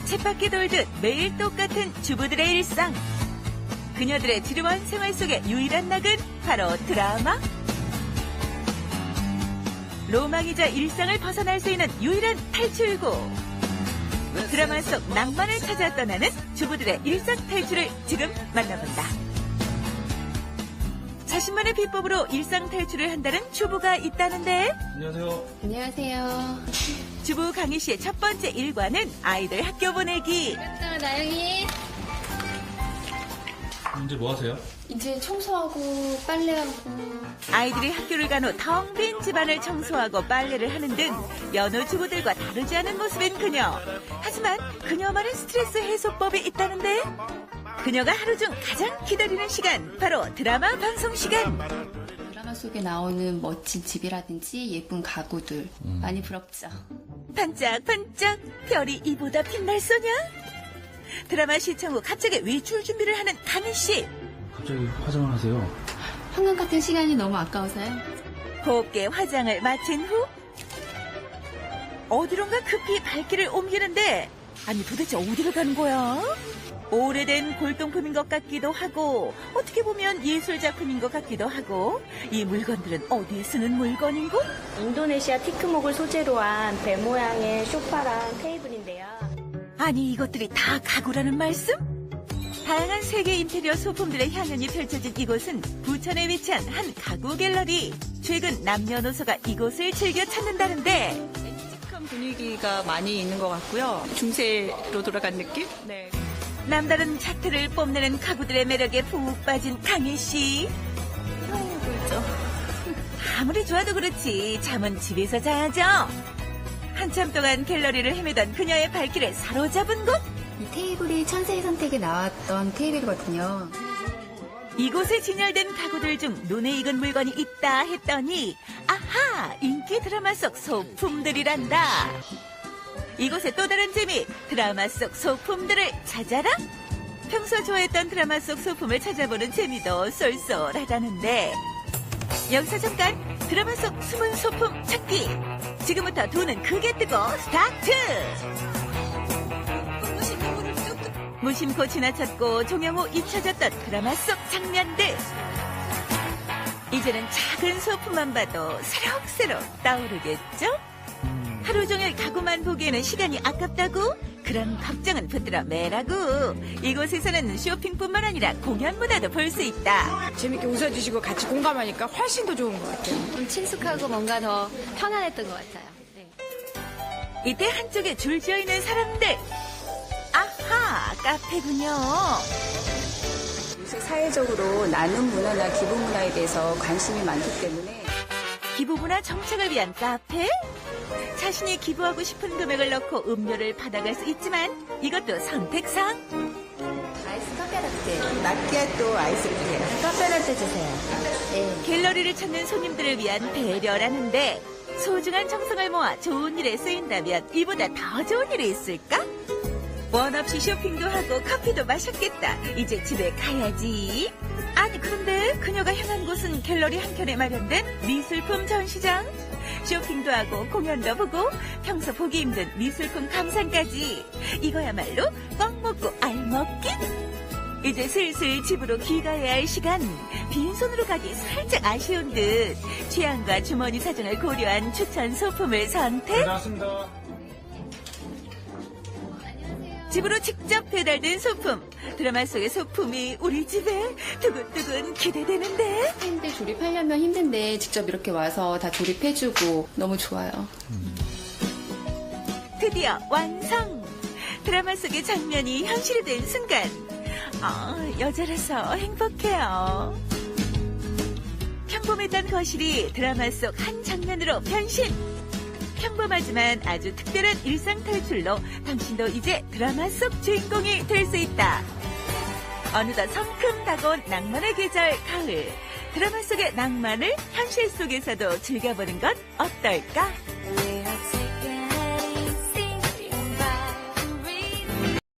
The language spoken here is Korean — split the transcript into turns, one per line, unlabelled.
쳇바퀴 돌듯 매일 똑같은 주부들의 일상. 그녀들의 지루한 생활 속의 유일한 낙은 바로 드라마. 로망이자 일상을 벗어날 수 있는 유일한 탈출구. 드라마 속 낭만을 찾아 떠나는 주부들의 일상 탈출을 지금 만나본다. 자신만의 비법으로 일상 탈출을 한다는 주부가 있다는데.
안녕하세요.
안녕하세요.
주부 강희 씨의 첫 번째 일과는 아이들 학교 보내기.
나영이.
이제 뭐 하세요?
이제 청소하고 빨래하고.
아이들이 학교를 간 후 텅 빈 집안을 청소하고 빨래를 하는 등 여느 주부들과 다르지 않은 모습인 그녀. 하지만 그녀만의 스트레스 해소법이 있다는데. 그녀가 하루 중 가장 기다리는 시간, 바로 드라마 방송 시간.
드라마 속에 나오는 멋진 집이라든지 예쁜 가구들 많이 부럽죠.
반짝반짝 별이 이보다 빛날 소냐? 드라마 시청 후 갑자기 외출 준비를 하는 강희 씨.
갑자기 화장을 하세요?
한강 같은 시간이 너무 아까워서요.
곱게 화장을 마친 후 어디론가 급히 발길을 옮기는데, 아니 도대체 어디로 가는 거야? 오래된 골동품인 것 같기도 하고 어떻게 보면 예술작품인 것 같기도 하고, 이 물건들은 어디에 쓰는 물건인고?
인도네시아 티크목을 소재로 한 배 모양의 소파랑 테이블인데요.
아니 이것들이 다 가구라는 말씀? 다양한 세계 인테리어 소품들의 향연이 펼쳐진 이곳은 부천에 위치한 한 가구 갤러리. 최근 남녀노소가 이곳을 즐겨 찾는다는데,
묵직한 분위기가 많이 있는 것 같고요. 중세로 돌아간 느낌? 네.
남다른 차트를 뽐내는 가구들의 매력에 푹 빠진 강희 씨. 아무리 좋아도 그렇지 잠은 집에서 자야죠. 한참 동안 갤러리를 헤매던 그녀의 발길을 사로잡은 곳.
이 테이블이 천세의 선택에 나왔던 테이블이거든요.
이곳에 진열된 가구들 중 눈에 익은 물건이 있다 했더니, 아하! 인기 드라마 속 소품들이란다. 이곳의 또 다른 재미, 드라마 속 소품들을 찾아라? 평소 좋아했던 드라마 속 소품을 찾아보는 재미도 쏠쏠하다는데, 여기서 잠깐 드라마 속 숨은 소품 찾기. 지금부터 두 눈 크게 뜨고 스타트! 무심코 지나쳤고 종영 후 잊혀졌던 드라마 속 장면들. 이제는 작은 소품만 봐도 새록새록 떠오르겠죠? 하루 종일 가구만 보기에는 시간이 아깝다고? 그런 걱정은 붙들어 매라고. 이곳에서는 쇼핑뿐만 아니라 공연 문화도 볼 수 있다.
재밌게 웃어주시고 같이 공감하니까 훨씬 더 좋은 것 같아요.
좀 친숙하고 뭔가 더 편안했던 것 같아요. 네.
이때 한쪽에 줄지어 있는 사람들. 아하, 카페군요.
요새 사회적으로 나눔 문화나 기부 문화에 대해서 관심이 많기 때문에
기부문화 정착을 위한 카페? 자신이 기부하고 싶은 금액을 넣고 음료를 받아갈 수 있지만 이것도 선택상.
아이스 카페라떼, 마키아또 아이스를 주세요. 카페라떼 주세요. 네.
갤러리를 찾는 손님들을 위한 배려라는데, 소중한 정성을 모아 좋은 일에 쓰인다면 이보다 더 좋은 일이 있을까? 원 없이 쇼핑도 하고 커피도 마셨겠다. 이제 집에 가야지. 아니 그런데 그녀가 향한 곳은 갤러리 한켠에 마련된 미술품 전시장. 쇼핑도 하고 공연도 보고 평소 보기 힘든 미술품 감상까지. 이거야말로 꽉 먹고 알 먹기. 이제 슬슬 집으로 귀가해야 할 시간. 빈손으로 가기 살짝 아쉬운 듯 취향과 주머니 사정을 고려한 추천 소품을 선택.
나왔습니다.
집으로 직접 배달된 소품. 드라마 속의 소품이 우리 집에 두근두근 기대되는데.
팬들 조립하려면 힘든데 직접 이렇게 와서 다 조립해주고 너무 좋아요.
드디어 완성! 드라마 속의 장면이 현실된 순간. 여자라서 행복해요. 평범했던 거실이 드라마 속 한 장면으로 변신. 평범하지만 아주 특별한 일상 탈출로 당신도 이제 드라마 속 주인공이 될 수 있다. 어느덧 성큼 다가온 낭만의 계절 가을. 드라마 속의 낭만을 현실 속에서도 즐겨보는 건 어떨까?